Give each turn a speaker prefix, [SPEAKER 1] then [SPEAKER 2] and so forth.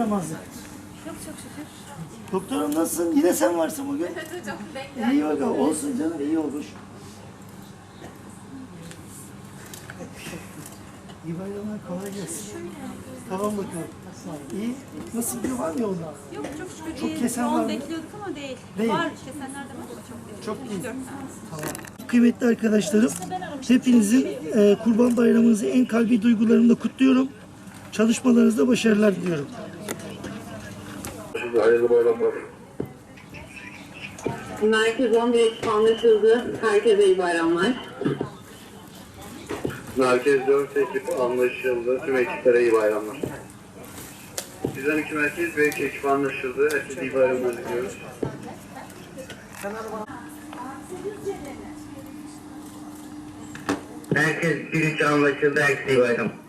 [SPEAKER 1] yaramazlık?
[SPEAKER 2] Yok çok şükür.
[SPEAKER 1] Doktorum nasılsın? Yine sen varsın bugün.
[SPEAKER 2] Evet hocam bekler.
[SPEAKER 1] İyi bakalım. Olsun canım, iyi olmuş. İyi bayramlar, kolay gelsin. Tamam bakalım. İyi. Nasıl gidiyor, var mı yolda?
[SPEAKER 2] Yok çok şükür
[SPEAKER 1] Çok
[SPEAKER 2] değil.
[SPEAKER 1] kesen var
[SPEAKER 2] Yoğun
[SPEAKER 1] mı?
[SPEAKER 2] bekliyorduk ama değil.
[SPEAKER 1] Değil.
[SPEAKER 2] Var kesenler de var ama çok değil.
[SPEAKER 1] Çok değil.
[SPEAKER 2] 3-4 tane.
[SPEAKER 1] Tamam. Kıymetli arkadaşlarım, hepinizin Kurban Bayramınızı en kalbi duygularımla kutluyorum. Çalışmalarınızda başarılar diliyorum.
[SPEAKER 3] Hayırlı bayramlar.
[SPEAKER 4] Merkez 11 anlaşıldı. Herkese iyi bayramlar.
[SPEAKER 3] Merkez 4 ekip anlaşıldı. Tüm ekiplere iyi bayramlar. Bizden 2 merkez ve ekip anlaşıldı. Herkese iyi bayramlar diliyoruz.
[SPEAKER 5] Merkez 1-3 anlaşıldı. Herkese iyi bayram.